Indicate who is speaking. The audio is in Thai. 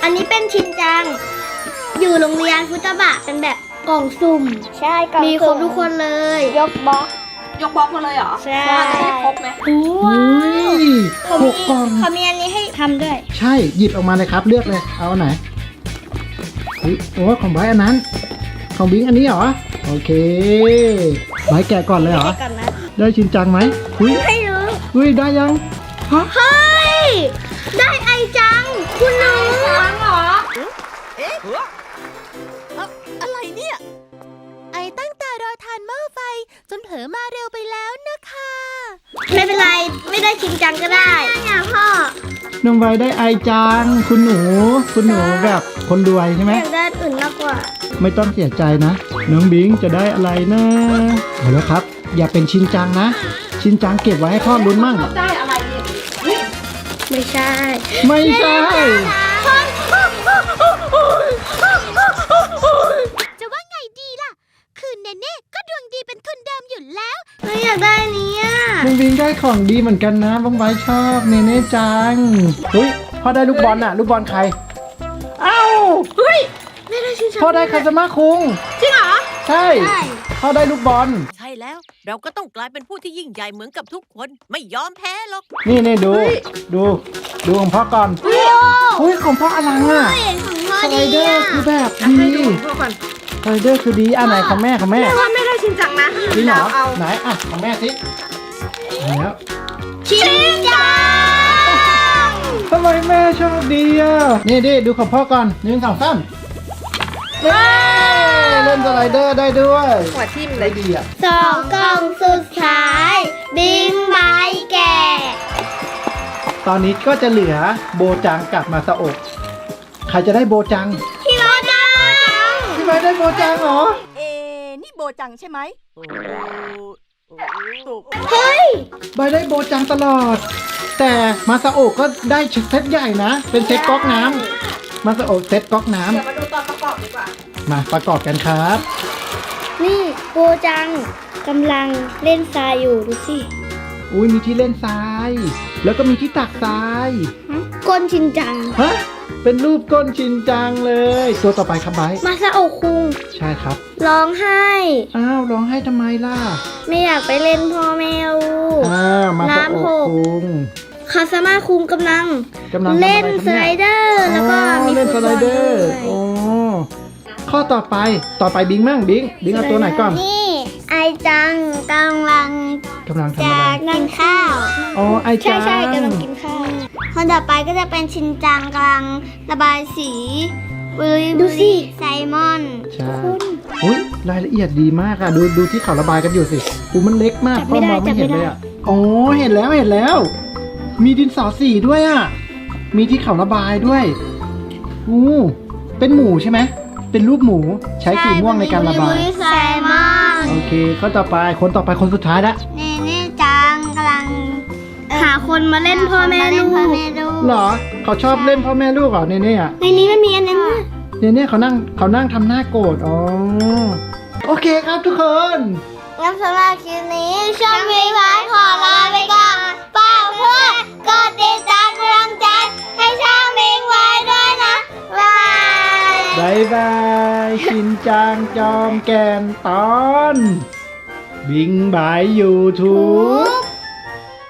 Speaker 1: อันนี้เป็นชินจังอยู่โรงเรียนฟุตบะเป็นแบบกล่องสุ่มใช่กล่องมีครบทุกคนเลยยกบล็อกมาเลยเหรอใช่จะได้ครบไหมว้าว
Speaker 2: 6 กล่อง
Speaker 1: เขามีอันนี้ให้ทำด้วย
Speaker 2: ใช่หยิบออกมาเลยครับเลือกเลยเอาอันไหนโอ้ของไบร์ทอันนั้นของบิงอันนี้เหรอโอเคไบร์ทแกะก่อนเลยเหรอได้ชินจังไหม
Speaker 1: ไม่รู้
Speaker 2: ได้ยัง
Speaker 1: เฮ้ยได้ไอจังคุณน้องเหรอ
Speaker 3: อะไรเนี่ยไอตั้งตารอทานหม้อไฟจนเผลอมาเร็วไปแล้วนะคะ
Speaker 1: ไม่เป็นไรไม่ได้ชินจังก็ได้พ่อ
Speaker 2: น้องไบร์ทได้ไอจังคุณหนูแบบคนรวยใช่ไหม
Speaker 1: อยากได้อื่นมากกว่า
Speaker 2: ไม่ต้องเสียใจนะน้องบิงจะได้อะไรนะเอาแล้วครับอย่าเป็นชินจังนะชินจังเก็บไว้ให้พ่อลุ้นมั่ง
Speaker 1: ได้อะไรไม่ใช่
Speaker 3: จะว่าไงดีล่ะคือเนเน่ก็ดวงดีเป็นคนเดิมอยู่แล้ว
Speaker 1: ไม่อยากได้นี้อ่ะ
Speaker 2: น้องบิงได้ของดีเหมือนกันนะบ้องไว้ชอบเนเน่จังพ่อได้ลูกบอลน่ะลูกบอลใคร
Speaker 1: ไม่ได้ชินจัง
Speaker 2: พ่อได้คาซาม่าคุง
Speaker 1: จริงเหรอ
Speaker 2: ใช่พ่อได้ลูกบอล
Speaker 3: ใช่แล้วเราก็ต้องกลายเป็นผู้ที่ยิ่งใหญ่เหมือนกับทุกคนไม่ยอมแพ้หรอก
Speaker 2: นี่ดูของพ่อก่อนของพ่ออลังอ่ะสไลเดอร์คือแบบดีสไลเดอร์คือดีอันไหนของแม่
Speaker 1: ว่าไม่ได้ชินจังนะ
Speaker 2: จริงเหรอไหนอ่ะของแม่สิแล้ว
Speaker 1: ชินจัง
Speaker 2: ทำไมแม่ชอบดีอ่ะนี่ดูของพ่อก่อน1 2 3เล่นสไลเดอร์ได้ด้วย
Speaker 1: หัวทิ่ม
Speaker 2: เลยดีอ่ะ
Speaker 1: 2 กล่องสุดท้ายบิงไม้แก่
Speaker 2: ตอนนี้ก็จะเหลือโบจังกับมาซาโอะใครจะได้โบจัง
Speaker 1: พี่โบจัง
Speaker 2: พี่ไบร์ทได้โบจังเหรอ
Speaker 3: นี่โบจังใช่ไหม
Speaker 1: เฮ้ย
Speaker 2: ไบร์ทได้โบจังตลอดแต่มาซาโอะก็ได้เซตใหญ่นะเป็นเซตก๊อกน้ำมาซาโอะเซตก๊อกน้ำ
Speaker 1: เดี๋ยวมาดูตอนประกอบดีกว่า
Speaker 2: มาประกอบกันครับ
Speaker 1: นี่โบจังกำลังเล่นทรายอยู่ดูสิ
Speaker 2: มีที่เล่นทรายแล้วก็มีที่ตักทราย
Speaker 1: ก้นชินจัง
Speaker 2: เป็นรูปก้นชินจังเลยตัวต่อไปครับไบร์ท
Speaker 1: มาซาโอะคุง
Speaker 2: ใช่ครับ
Speaker 1: ร้องไห้
Speaker 2: ร้องไห้ทำไมล่ะ
Speaker 1: ไม่อยากไปเล่นพ่อแมว
Speaker 2: มาซาโอะคุง
Speaker 1: คาซาม่าคุงกำลังเล่นสไลเดอร์แล้วก็มี
Speaker 2: เล่นสไลเดอร์ข้อต่อไปบิงมั่งบิงเอาตัวไหนก่อน
Speaker 1: นี่ไอจังกำลัง
Speaker 2: ทำอะไร
Speaker 1: กินข้าว
Speaker 2: ไอจัง
Speaker 1: ใช่กำลังกินข้าวคนต่อไปก็จะเป็นชินจังกำลังระบายสีดูสิไซมอน
Speaker 2: ใช่รายละเอียดดีมากอะดูที่เขาระบายกันอยู่สิมันเล็กมากพ่อมองไม่เห็นเลยอะเห็นแล้วมีดินสอสีด้วยอะมีที่เขาระบายด้วยเป็นหมูใช่ไหมเป็นรูปหมูใช้สีม่วงในการระบาย
Speaker 1: ไซมอน
Speaker 2: โอเคคนต่อไปคนสุดท้ายละ
Speaker 1: เนจังกำลังหาคนมาเล่นพ่อแม่ลูก
Speaker 2: เหรอเขาชอบเล่นพ่อแม่ลูกเหรอเนอะ
Speaker 1: ในนี้ไม่มีอันนั้น
Speaker 2: เนเขานั่งทำหน้าโกรธโอเคครับทุกคน
Speaker 1: งั้นสำหรับคลิปนี้ช่องวิวายขอลาไปก่อนฝากเพื่อนกดติดตามกำลังใจให้ช่องวิวายด้วยนะ
Speaker 2: บายชินจังจอมแก่นตอนบิงบายยูทูบ